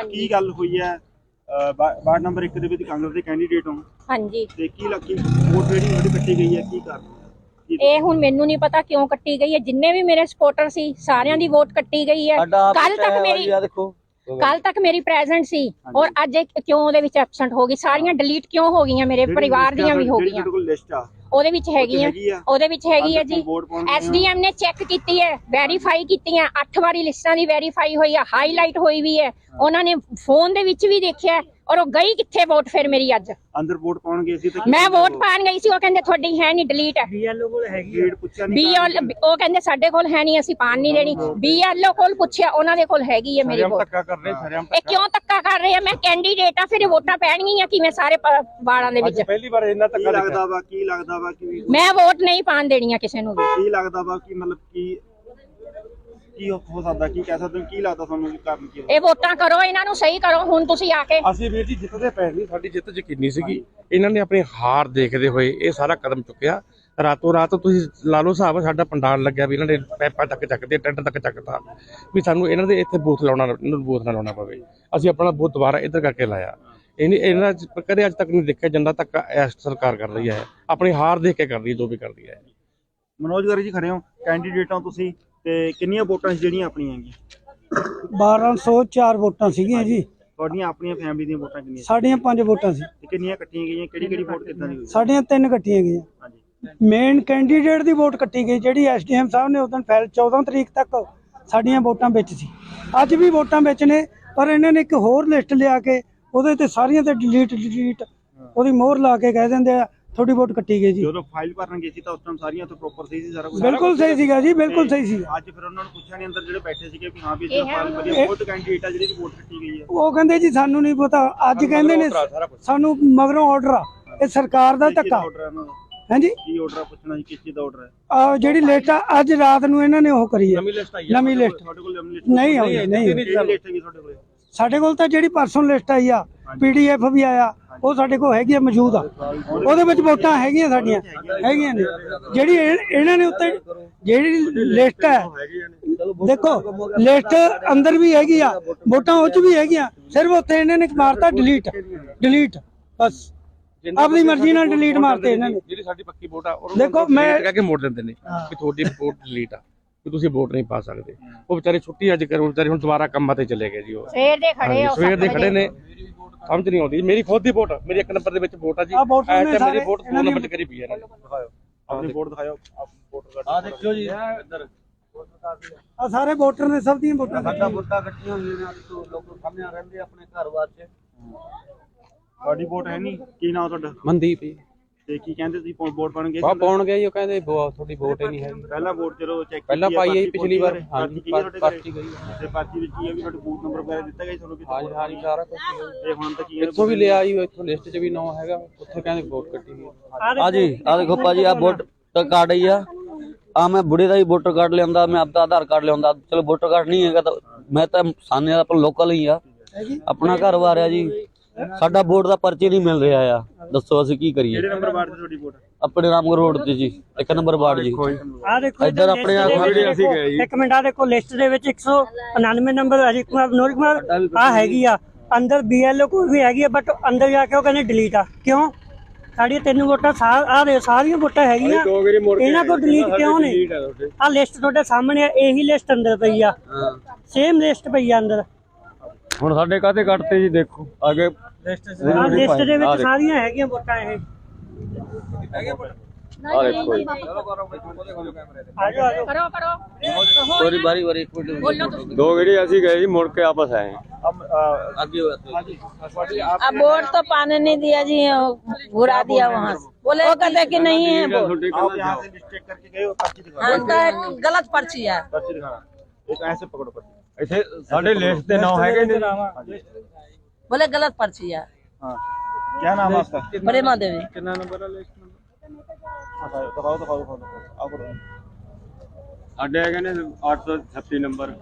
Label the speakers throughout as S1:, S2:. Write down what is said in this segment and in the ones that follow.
S1: ਕੀ ਗੱਲ ਹੋਈ ਹੈ? ਵਾਰਡ ਨੰਬਰ 1 ਦੇ ਵਿੱਚ ਕਾਂਗਰਸ ਦੇ ਕੈਂਡੀਡੇਟ ਹੋ। ਹਾਂਜੀ। ਤੇ ਕੀ ਲੱਗੀ ਵੋਟ ਜਿਹੜੀ ਤੁਹਾਡੀ ਕੱਟੀ ਗਈ ਹੈ, ਕੀ ਕਾਰਨ? ਇਹ ਹੁਣ ਮੈਨੂੰ ਨਹੀਂ ਪਤਾ ਕਿਉਂ ਕੱਟੀ ਗਈ ਹੈ। ਜਿੰਨੇ ਵੀ ਮੇਰੇ ਸਪੋਰਟਰ ਸੀ ਸਾਰਿਆਂ ਦੀ ਵੋਟ ਕੱਟੀ ਗਈ ਹੈ। ਕੱਲ ਤੱਕ ਮੇਰੀ ਪ੍ਰੈਜ਼ੈਂਟ ਸੀ ਔਰ ਅੱਜ ਕਿਉਂ ਉਹਦੇ ਵਿੱਚ ਐਬਸੈਂਟ ਹੋ ਗਈ? ਸਾਰੀਆਂ ਡਿਲੀਟ ਕਿਉਂ ਹੋ ਗਈਆਂ? ਮੇਰੇ ਪਰਿਵਾਰ ਦੀਆਂ ਵੀ ਹੋ ਗਈਆਂ। ਉਹਦੇ ਵਿੱਚ ਹੈਗੀ ਹੈ ਜੀ। ਐਸਡੀਐਮ ਨੇ ਚੈੱਕ ਕੀਤੀ ਹੈ, ਵੈਰੀਫਾਈ ਕੀਤੀਆਂ 8 ਵਾਰੀ ਲਿਸਟਾਂ ਦੀ ਵੈਰੀਫਾਈ ਹੋਈ ਹੈ, ਹਾਈਲਾਈਟ ਹੋਈ ਵੀ ਹੈ। ਉਹਨਾਂ ਨੇ ਫੋਨ ਦੇ ਵਿੱਚ ਵੀ ਦੇਖਿਆ ਔਰ ਉਹ ਗਈ ਕਿੱਥੇ ਵੋਟ ਫਿਰ ਮੇਰੀ ਅੱਜ ਅੰਦਰ ਵੋਟ ਪਾਉਣ ਗਏ ਸੀ ਤੇ ਮੈਂ ਵੋਟ ਪਾਣ ਗਈ ਸੀ। ਉਹ ਕਹਿੰਦੇ ਤੁਹਾਡੀ ਹੈ ਨਹੀਂ, ਡਿਲੀਟ ਹੈ। ਬੀਐਲਓ ਕੋਲ ਹੈਗੀ ਉਹ ਕਹਿੰਦੇ ਸਾਡੇ ਕੋਲ ਹੈ ਨਹੀਂ, ਅਸੀਂ ਪਾਣ ਨਹੀਂ ਦੇਣੀ। ਬੀਐਲਓ ਕੋਲ ਪੁੱਛਿਆ, ਉਹਨਾਂ ਦੇ ਕੋਲ ਹੈਗੀ ਹੈ ਮੇਰੀ ਵੋਟ। ਇਹ ਕਿਉਂ ਧੱਕਾ ਕਰ ਰਹੇ ਆ? ਮੈਂ ਕੈਂਡੀਡੇਟ ਆ, ਫਿਰ ਵੋਟਾਂ ਪੈਣਗੀਆਂ ਕਿਵੇਂ ਸਾਰੇ ਵਾਰਡਾਂ ਦੇ ਵਿੱਚ?
S2: ਪਹਿਲੀ ਵਾਰ ਇੰਨਾ ਧੱਕਾ ਲੱਗਦਾ ਵਾ।
S1: ਕੀ ਲੱਗਦਾ ਵਾ ਕਿ
S3: ਮੈਂ ਵੋਟ ਨਹੀਂ ਪਾਣ ਦੇਣੀਆਂ ਕਿਸੇ ਨੂੰ ਵੀ?
S1: ਕੀ ਲੱਗਦਾ ਵਾ ਕਿ ਮਤਲਬ ਕੀ ਹੋ ਸਕਦਾ, ਕੀ ਕਹਿ ਸਕਦੇ ਹੋ? ਕੀ ਲੱਗਦਾ ਤੁਹਾਨੂੰ ਕਾਰਨ ਕੀ?
S3: ਇਹ ਵੋਟਾਂ ਕਰੋ, ਇਹਨਾਂ ਨੂੰ ਸਹੀ ਕਰੋ ਹੁਣ ਤੁਸੀਂ ਆ ਕੇ।
S2: ਅਸੀਂ ਵੀਰ ਜੀ ਜਿੱਤਦੇ ਪਏ ਨਹੀਂ, ਸਾਡੀ ਜਿੱਤ ਯਕੀਨੀ ਸੀਗੀ। ਇਹਨਾਂ ਨੇ ਆਪਣੀ ਹਾਰ ਦੇਖਦੇ ਹੋਏ ਇਹ ਸਾਰਾ ਕਦਮ ਚੁੱਕਿਆ। ਰਾਤੋਂ ਰਾਤ ਤੁਸੀਂ ਲਾ ਲਓ ਹਿਸਾਬ, ਸਾਡਾ ਪੰਡਾਲ ਲੱਗਿਆ ਵੀ ਇਹਨਾਂ ਨੇ ਪੈਪਾਂ ਤੱਕ ਚੱਕਦੇ, ਟੈਂਟ ਤੱਕ ਚੱਕਤਾ ਵੀ ਸਾਨੂੰ ਇਹਨਾਂ ਦੇ ਇੱਥੇ ਬੂਥ ਲਾਉਣਾ, ਇਹਨਾਂ ਨੂੰ ਬੂਥ ਨਾ ਲਾਉਣਾ ਪਵੇ। ਅਸੀਂ ਆਪਣਾ ਬੂਥ ਦੁਬਾਰਾ ਇੱਧਰ ਕਰਕੇ ਲਾਇਆ। ਇਹਨਾਂ ਕਦੇ ਅੱਜ ਤੱਕ ਨਹੀਂ ਦੇਖਿਆ ਜਿੰਨਾ ਤੱਕ ਇਸ ਸਰਕਾਰ ਕਰ ਰਹੀ ਹੈ। ਆਪਣੀ ਹਾਰ ਦੇਖ ਕੇ ਕਰ ਰਹੀ ਹੈ ਜੋ ਵੀ ਕਰਦੀ ਹੈ।
S1: ਮਨੋਜ ਗਾਰੀ ਜੀ ਖੜੇ ਹੋ, ਕੈਂਡੀਡੇਟ ਹੋ ਤੁਸੀਂ, ਤੇ ਕਿੰਨੀਆਂ ਵੋਟਾਂ ਜਿਹੜੀਆਂ ਆਪਣੀਆਂ ਹੈਗੀਆਂ?
S4: 1204 ਵੋਟਾਂ ਸੀਗੀਆਂ ਜੀ।
S1: ਤੁਹਾਡੀਆਂ ਆਪਣੀਆਂ ਫੈਮਿਲੀ ਦੀਆਂ ਵੋਟਾਂ ਕਿੰਨੀਆਂ?
S4: ਸਾਡੀਆਂ 5 ਵੋਟਾਂ ਸੀ।
S1: ਤੇ ਕਿੰਨੀਆਂ ਕੱਟੀਆਂ ਗਈਆਂ? ਕਿਹੜੀ ਵੋਟ ਕਿੱਦਾਂ ਦੀ ਹੋਈ?
S4: ਸਾਡੀਆਂ 3 ਕੱਟੀਆਂ ਗਈਆਂ। ਹਾਂਜੀ। ਮੇਨ ਕੈਂਡੀਡੇਟ ਦੀ ਵੋਟ ਕੱਟੀ ਗਈ ਜਿਹੜੀ ਐਸਡੀਐਮ ਸਾਹਿਬ ਨੇ ਉਦੋਂ ਫਾਈਲ 14 ਤਰੀਕ ਤੱਕ ਸਾਡੀਆਂ ਵੋਟਾਂ ਵਿੱਚ ਸੀ। ਅੱਜ ਵੀ ਵੋਟਾਂ ਵਿੱਚ ਨੇ, ਪਰ ਇਹਨਾਂ ਨੇ ਇੱਕ ਹੋਰ ਲਿਸਟ ਲਿਆ ਕੇ ਉਹਦੇ ਤੇ ਸਾਰੀਆਂ ਤੇ ਡਿਲੀਟ ਉਹਦੀ ਮੋਹਰ ਲਾ ਕੇ ਕਹਿ ਦਿੰਦੇ ਆ ਥੋੜੀ ਵੋਟ ਕੱਟੀ ਗਈ ਜੀ।
S1: ਜਦੋਂ ਫਾਈਲ ਭਰਨ ਗਏ ਸੀ ਤਾਂ ਉਸ ਟਾਈਮ ਸਾਰੀਆਂ ਤੋਂ ਪ੍ਰੋਪਰ ਸਹੀ ਸੀ ਸਾਰਾ ਕੁਝ?
S4: ਬਿਲਕੁਲ ਸਹੀ ਸੀਗਾ ਜੀ, ਬਿਲਕੁਲ ਸਹੀ ਸੀ।
S1: ਅੱਜ ਫਿਰ ਉਹਨਾਂ ਨੂੰ ਪੁੱਛਿਆ ਨਹੀਂ ਅੰਦਰ ਜਿਹੜੇ ਬੈਠੇ ਸੀਗੇ ਵੀ ਹਾਂ ਵੀ ਇਸ ਫਾਈਲ ਵਧੀਆ ਬਹੁਤ ਕੈਂਡੀਡੇਟ ਆ ਜਿਹੜੀ ਦੀ ਵੋਟ ਕੱਟੀ ਗਈ ਹੈ? ਉਹ
S4: ਕਹਿੰਦੇ ਜੀ ਸਾਨੂੰ ਨਹੀਂ ਪਤਾ। ਅੱਜ ਕਹਿੰਦੇ ਨੇ ਸਾਨੂੰ ਮਗਰੋਂ ਆਰਡਰ ਆ। ਇਹ ਸਰਕਾਰ ਦਾ ਧੱਕਾ। ਹਾਂਜੀ,
S1: ਕੀ ਆਰਡਰ ਪੁੱਛਣਾ ਜੀ? ਕਿਸ ਚੀਜ਼ ਦਾ ਆਰਡਰ ਹੈ?
S4: ਜਿਹੜੀ ਲਿਸਟ ਆ ਅੱਜ ਰਾਤ ਨੂੰ ਇਹਨਾਂ ਨੇ ਉਹ ਕਰੀ ਹੈ। ਨਵੀਂ ਲਿਸਟ
S1: ਤੁਹਾਡੇ ਕੋਲ
S4: ਨਹੀਂ ਆਈ? ਨਹੀਂ, ਸਾਡੇ ਕੋਲ ਤਾਂ ਜਿਹੜੀ ਪਰਸੋਂ ਲਿਸਟ ਆਈ ਆ, ਪੀਡੀਐਫ ਵੀ ਆਇਆ, ਉਹ ਸਾਡੇ ਕੋਲ ਹੈਗੀ ਆ, ਮੌਜੂਦ ਆ। ਉਹਦੇ ਵਿੱਚ ਵੋਟਾਂ ਹੈਗੀਆਂ ਸਾਡੀਆਂ ਹੈਗੀਆਂ ਨੇ। ਜਿਹੜੀ ਇਹਨਾਂ ਨੇ ਉੱਤੇ ਜਿਹੜੀ ਲਿਸਟ ਹੈ, ਦੇਖੋ ਲਿਸਟ ਅੰਦਰ ਵੀ ਹੈਗੀ ਆ, ਵੋਟਾਂ ਉਹ 'ਚ ਵੀ ਹੈਗੀਆਂ। ਸਿਰਫ ਉੱਥੇ ਇਹਨਾਂ ਨੇ ਮਾਰਤਾ ਡਿਲੀਟ ਬਸ। ਆਪਣੀ ਮਰਜ਼ੀ ਨਾਲ ਡਿਲੀਟ ਮਾਰਤੇ ਇਹਨਾਂ ਨੇ।
S2: ਜਿਹੜੀ ਸਾਡੀ ਪੱਕੀ ਵੋਟ ਆ
S4: ਦੇਖੋ ਮੈਂ
S2: ਕਹਿ ਕੇ ਮੋੜ ਦਿੰਦੇ ਨੇ ਕਿ ਤੁਹਾਡੀ ਵੋਟ ਡਿਲੀਟ ਆ, ਕਿ ਤੁਸੀਂ ਵੋਟ ਨਹੀਂ ਪਾ ਸਕਦੇ। ਉਹ ਵਿਚਾਰੇ ਛੁੱਟੀ ਅੱਜ ਕਰੋ, ਵਿਚਾਰੇ ਹੁਣ ਦੁਬਾਰਾ ਕੰਮਾਂ ਤੇ ਚਲੇ ਗਏ ਜੀ। ਉਹ ਸਵੇਰ ਦੇ ਖੜੇ ਨੇ, ਸਮਝ ਨਹੀਂ ਆਉਂਦੀ। ਮੇਰੀ ਖੁਦ ਦੀ ਵੋਟ, ਮੇਰੀ 1 ਨੰਬਰ ਦੇ ਵਿੱਚ ਵੋਟ ਆ ਜੀ। ਮੇਰੀ ਵੋਟ 2 ਨੰਬਰ 'ਚ ਕਰੀ ਪਈ ਹੈ।
S1: ਆਪਣੀ ਵੋਟ ਦਿਖਾਓ।
S2: ਆ ਦੇਖਿਓ ਜੀ ਇੱਧਰ
S4: ਆ ਸਾਰੇ ਵੋਟਰ ਨੇ, ਸਭ ਦੀਆਂ ਵੋਟਾਂ
S2: ਇਕੱਠੀਆਂ ਹੋਈਆਂ ਨੇ। ਲੋਕ ਸਾਹਮਣੇ ਰਹਿੰਦੇ ਆਪਣੇ ਘਰ ਵਾਸਤੇ।
S1: ਤੁਹਾਡੀ ਵੋਟ ਹੈ ਨਹੀਂ? ਕੀ ਨਾਮ ਤੁਹਾਡਾ?
S2: ਮਨਦੀਪ।
S1: ਤੇ ਕੀ ਕਹਿੰਦੇ ਤੁਸੀਂ ਵੋਟ ਪਾਉਣ ਗਏ?
S2: ਪਾਉਣ ਗਏ ਜੀ। ਉਹ ਕਹਿੰਦੇ ਤੁਹਾਡੀ ਵੋਟ ਹੀ ਨਹੀਂ ਹੈ।
S1: ਪਹਿਲਾਂ ਵੋਟ ਚਲੋ ਚੈੱਕ
S2: ਪਹਿਲਾਂ ਪਾਈ ਹੈ ਪਿਛਲੀ ਵਾਰ। ਹਾਂਜੀ, ਪਰਚੀ ਗਈ
S1: ਤੇ ਪਰਚੀ ਵਿੱਚ ਕੀ ਹੈ ਵੀ ਤੁਹਾਡਾ ਬੂਥ ਨੰਬਰ ਵਗੈਰਾ ਦਿੱਤਾ ਗਿਆ ਤੁਹਾਨੂੰ?
S2: ਹਾਂਜੀ ਹਾਂਜੀ, ਸਾਰਾ ਕੁਝ।
S1: ਤੇ ਹੁਣ ਤੱਕ
S2: ਇੱਥੋਂ ਵੀ ਲਿਆ ਜੀ, ਇੱਥੋਂ ਲਿਸਟ 'ਚ ਵੀ ਨਾਂ ਹੈਗਾ, ਉੱਥੇ ਕਹਿੰਦੇ ਵੋਟ ਕੱਟੀ ਗਈ।
S5: ਹਾਂਜੀ, ਆ ਦੇਖੋ ਭਾਜੀ, ਆ ਵੋਟਰ ਕਾਰਡ ਹੀ ਆ ਮੈਂ ਬੁੜੇ ਦਾ ਹੀ ਵੋਟਰ ਕਾਰਡ ਲਿਆਂਦਾ, ਮੈਂ ਆਪਦਾ ਆਧਾਰ ਕਾਰਡ ਲਿਆਂਦਾ। ਚਲੋ ਵੋਟਰ ਕਾਰਡ ਨਹੀਂ ਹੈਗਾ ਤਾਂ ਮੈਂ ਤਾਂ ਸਾਨੇ ਦਾ ਆਪਣਾ ਲੋਕਲ ਹੀ ਆ, ਆਪਣਾ ਘਰ ਵਾਰ ਆ ਜੀ। ਸਾਡਾ ਵੋਟ ਦਾ ਪਰਚੀ ਨਹੀਂ ਮਿਲ ਰਿਹਾ ਆ, ਦੱਸੋ ਅਸੀਂ ਕੀ ਕਰੀਏ?
S1: ਕਿਹੜੇ ਨੰਬਰ ਵਾਰਡ ਤੇ ਤੁਹਾਡੀ ਵੋਟ?
S5: ਆਪਣੇ ਰਾਮਗੜ੍ਹ ਰੋਡ ਤੇ ਜੀ, 1 ਨੰਬਰ ਵਾਰਡ ਜੀ।
S4: ਆ ਦੇਖੋ
S5: ਇੱਧਰ ਆਪਣੇ
S4: ਅਸੀਂ ਗਏ ਜੀ। ਇੱਕ ਮਿੰਟ, ਆ ਦੇਖੋ ਲਿਸਟ ਦੇ ਵਿੱਚ 199 ਨੰਬਰ ਅਜੀਤ ਕੁਮਾਰ ਨੋਰ ਕੁਮਾਰ ਆ ਹੈਗੀ ਆ। ਅੰਦਰ ਬੀਐਲਓ ਕੋਲ ਵੀ ਹੈਗੀ ਆ, ਬਟ ਅੰਦਰ ਜਾ ਕੇ ਉਹ ਕਹਿੰਦੇ ਡਿਲੀਟ ਆ। ਕਿਉਂ? ਸਾਡੀਆਂ 3 ਵੋਟਾਂ ਸਾਰੀਆਂ ਵੋਟਾਂ ਹੈਗੀਆਂ, ਇਹਨਾਂ ਕੋਲ ਡਿਲੀਟ ਕਿਉਂ ਨਹੀਂ? ਆ ਲਿਸਟ ਤੁਹਾਡੇ ਸਾਹਮਣੇ ਆ, ਇਹੀ ਲਿਸਟ ਅੰਦਰ ਪਈ ਆ, ਸੇਮ ਲਿਸਟ ਪਈ ਆ ਅੰਦਰ।
S2: ਹੁਣ ਸਾਡੇ ਕਾਹਤੇ ਕੱਟਤੇ ਜੀ? ਦੇਖੋ ਅੱਗੇ
S4: ਲਿਸਟ ਦੇ ਵਿੱਚ ਸਾਰੀਆਂ ਹੈਗੀਆਂ ਵੋਟਾਂ। ਇਹ
S2: ਆ ਦੇਖੋ ਜੀ।
S5: ਸੋਰੀ ਬਾਰੀ
S2: ਦੋ ਗੇੜੀ ਅਸੀਂ ਗਏ ਜੀ, ਮੁੜ ਕੇ ਵਾਪਸ आए।
S3: अब वोट तो पाने नहीं दिया जी, घुरा दिया वहाँ से। बोले वो कहते कि नहीं है वोट।
S1: आप यहाँ से लिस्ट चेक करके गए हो? पर्ची दिखाओ।
S3: गलत पर्ची है।
S1: पर्ची दिखाना, एक ऐसे पकड़ो पर्ची।
S2: ਇੱਥੇ ਸਾਡੇ लिस्ट ਦੇ नाम ਹੈਗੇ ਨੇ।
S3: बोले गलत पर्ची है।
S1: हाँ, क्या नाम है आपका?
S3: प्रेमा देवी।
S1: कितना नंबर है लिस्ट में? दिखाओ। आप
S2: ਸਾਡੇ ਹੈਗੇ ਨੇ 836 ਨੰਬਰ।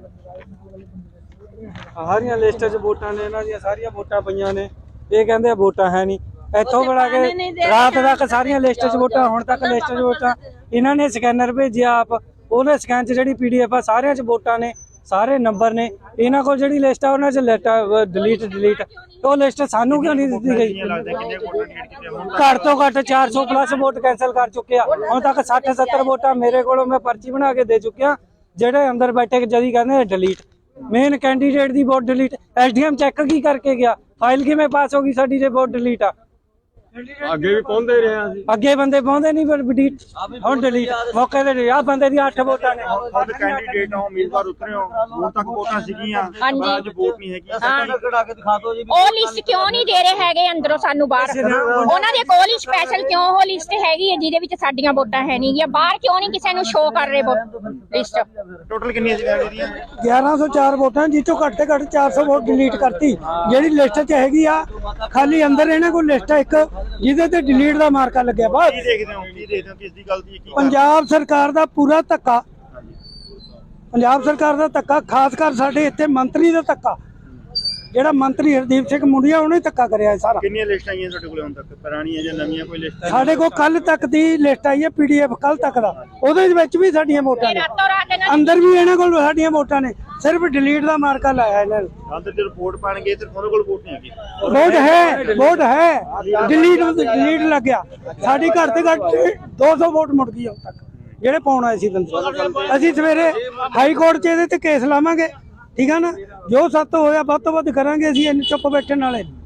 S4: ਸਾਰੀਆਂ ਲਿਸਟਾਂ 'ਚ ਵੋਟਾਂ ਨੇ, ਇਹਨਾਂ ਦੀਆਂ ਸਾਰੀਆਂ ਵੋਟਾਂ ਪਈਆਂ ਨੇ। ਇਹ ਕਹਿੰਦੇ ਵੋਟਾਂ ਹੈ ਨਹੀਂ। ਇੱਥੋਂ ਬਣਾ ਕੇ ਰਾਤ ਤੱਕ ਸਾਰੀਆਂ ਲਿਸਟਾਂ 'ਚ ਵੋਟਾਂ, ਹੁਣ ਤੱਕ ਲਿਸਟਾਂ 'ਚ ਵੋਟਾਂ। ਇਹਨਾਂ ਨੇ ਸਕੈਨਰ ਭੇਜਿਆ ਆਪ, ਉਹਨੇ ਸਕੈਨ 'ਚ ਜਿਹੜੀ ਪੀਡੀਐਫ ਆ ਸਾਰਿਆਂ 'ਚ ਵੋਟਾਂ ਨੇ। ਸਾਰੇ ਨੰਬਰ ਨੇ ਇਹਨਾਂ ਕੋਲ। ਜਿਹੜੀ ਲਿਸਟ ਆ ਉਹਨਾਂ 'ਚ ਲਿਸਟ ਡਿਲੀਟ ਉਹ ਲਿਸਟ ਸਾਨੂੰ ਕਿਉਂ ਨਹੀਂ ਦਿੱਤੀ ਗਈ? ਘੱਟ ਤੋਂ ਘੱਟ 400 ਪਲੱਸ ਵੋਟ ਕੈਂਸਲ ਕਰ ਚੁੱਕੇ ਆ ਹੁਣ ਤੱਕ। 60-70 ਵੋਟਾਂ ਮੇਰੇ ਕੋਲੋਂ ਮੈਂ ਪਰਚੀ ਬਣਾ ਕੇ ਦੇ ਚੁੱਕਿਆ। ਜਿਹੜੇ ਅੰਦਰ ਬੈਠੇ ਜਦੀ ਕਹਿੰਦੇ ਡਿਲੀਟ, ਮੇਨ ਕੈਂਡੀਡੇਟ ਦੀ ਵੋਟ ਡਿਲੀਟ। ਐਸਡੀਐਮ ਚੈੱਕ ਕੀ ਕਰਕੇ ਗਿਆ? ਫਾਈਲ ਕਿਵੇਂ ਪਾਸ ਹੋ ਗਈ ਸਾਡੀ ਜੇ ਵੋਟ ਡਿਲੀਟ ਆ?
S6: ਅੱਗੇ ਵੀ ਪਹੁੰਚਦੇ ਰਹੇ ਆ ਅਸੀਂ।
S4: ਅੱਗੇ ਬੰਦੇ ਪਾਉਂਦੇ ਨਹੀਂ ਪਰ ਡਿਲੀਟ ਹੁਣ ਡਿਲੀਟ ਮੌਕੇ ਤੇ ਆ ਬੰਦੇ ਦੀ 8 ਵੋਟਾਂ ਨੇ।
S7: ਖੁਦ ਕੈਂਡੀਡੇਟ ਹੋ, ਉਮੀਦਵਾਰ ਉਤਰੇ ਹੋ, ਹੁਣ ਤੱਕ ਵੋਟਾਂ ਸੀਗੀਆਂ
S1: ਹਾਂਜੀ।
S7: ਪਰ ਅੱਜ ਵੋਟ ਨਹੀਂ ਹੈਗੀ।
S1: ਉਹ ਲਿਸਟ ਕਿਉਂ ਨਹੀਂ ਦੇ ਰਹੇ ਹੈਗੇ ਅੰਦਰੋਂ ਸਾਨੂੰ ਬਾਹਰ? ਉਹਨਾਂ ਦੇ ਕੋਲ ਹੀ ਸਪੈਸ਼ਲ ਕਿਉਂ ਉਹ ਲਿਸਟ ਹੈਗੀ ਹੈ ਜਿਹਦੇ ਵਿੱਚ ਸਾਡੀਆਂ ਵੋਟਾਂ ਹੈ ਨਹੀਂ ਗੀਆਂ? ਬਾਹਰ ਕਿਉਂ ਨਹੀਂ ਕਿਸੇ ਨੂੰ ਸ਼ੋਅ ਕਰ ਰਹੇ ਲਿਸਟ?
S7: ਟੋਟਲ ਕਿੰਨੀਆਂ ਸੀ ਫੈਮਿਲੀ ਦੀਆਂ?
S4: 1104 ਵੋਟਾਂ ਜਿੱਚੋਂ ਘੱਟ ਤੋਂ ਘੱਟ 400 ਵੋਟ ਡਿਲੀਟ ਕਰਤੀ। ਜਿਹੜੀ ਲਿਸਟ 'ਚ ਹੈਗੀ ਆ ਖਾਲੀ ਅੰਦਰ ਇਹਨਾਂ ਕੋਲ ਲਿਸਟ ਆ ਇੱਕ ਜਿਹਦੇ ਤੇ ਡਿਲੀਟ ਦਾ ਮਾਰਕਾ ਲੱਗਿਆ। ਬਸ
S7: ਕੀ ਦੇਖਦੇ ਹੋ ਕਿਸ ਦੀ ਗਲਤੀ ਹੈ?
S4: ਪੰਜਾਬ ਸਰਕਾਰ ਦਾ ਪੂਰਾ ਧੱਕਾ, ਪੰਜਾਬ ਸਰਕਾਰ ਦਾ ਧੱਕਾ, ਖਾਸ ਕਰ ਸਾਡੇ ਇੱਥੇ ਮੰਤਰੀ ਦਾ ਧੱਕਾ। ਜਿਹੜਾ ਮੰਤਰੀ ਹਰਦੀਪ ਸਿੰਘ ਮੁੰਡਿਆ ਉਹਨੇ ਧੱਕਾ ਕਰਿਆ ਸਾਰਾ।
S7: ਕਿੰਨੀਆਂ ਲਿਸਟਾਂ ਆਈਆਂ ਤੁਹਾਡੇ ਕੋਲ ਹੁਣ ਤੱਕ? ਪੁਰਾਣੀਆਂ ਜਾਂ ਨਵੀਆਂ ਕੋਈ ਲਿਸਟ?
S4: ਸਾਡੇ ਕੋਲ ਕੱਲ ਤੱਕ ਦੀ ਲਿਸਟ ਆਈ ਹੈ PDF ਕੱਲ ਤੱਕ ਦਾ। ਉਹਦੇ ਵਿੱਚ ਵੀ ਸਾਡੀਆਂ ਵੋਟਾਂ ਨੇ,
S1: ਰਾਤੋਂ ਰਾਤ ਇਹਨਾਂ
S4: ਅੰਦਰ ਵੀ ਇਹਨਾਂ ਕੋਲ ਸਾਡੀਆਂ ਵੋਟਾਂ ਨੇ। ਸਿਰਫ ਡਿਲੀਟ ਦਾ ਮਾਰਕਾ ਲਾਇਆ ਇਹਨਾਂ ਨੇ।
S7: ਅੰਦਰ ਜੇ ਰਿਪੋਰਟ ਪਾਣਗੇ ਤੇ ਉਹਨਾਂ ਕੋਲ ਵੋਟ ਨਹੀਂ ਹੈਗੀ।
S4: ਵੋਟ ਹੈ ਡਿਲੀਟ ਲੱਗਿਆ। ਸਾਡੀ ਘੱਟ ਤੋਂ ਘੱਟ 200 ਵੋਟ ਮੁੜ ਗਈ ਹੁਣ ਤੱਕ ਜਿਹੜੇ ਪਾਉਣ ਆਏ ਸੀ ਬੰਦੇ। ਅਸੀਂ ਸਵੇਰੇ ਹਾਈ ਕੋਰਟ 'ਚ ਇਹਦੇ ਤੇ ਕੇਸ ਲਾਵਾਂਗੇ, ਠੀਕ ਆ ਨਾ? ਜੋ ਸੱਤ ਹੋਇਆ ਵੱਧ ਤੋਂ ਵੱਧ ਕਰਾਂਗੇ ਅਸੀਂ। ਚੁੱਪ ਬੈਠਣ ਵਾਲੇ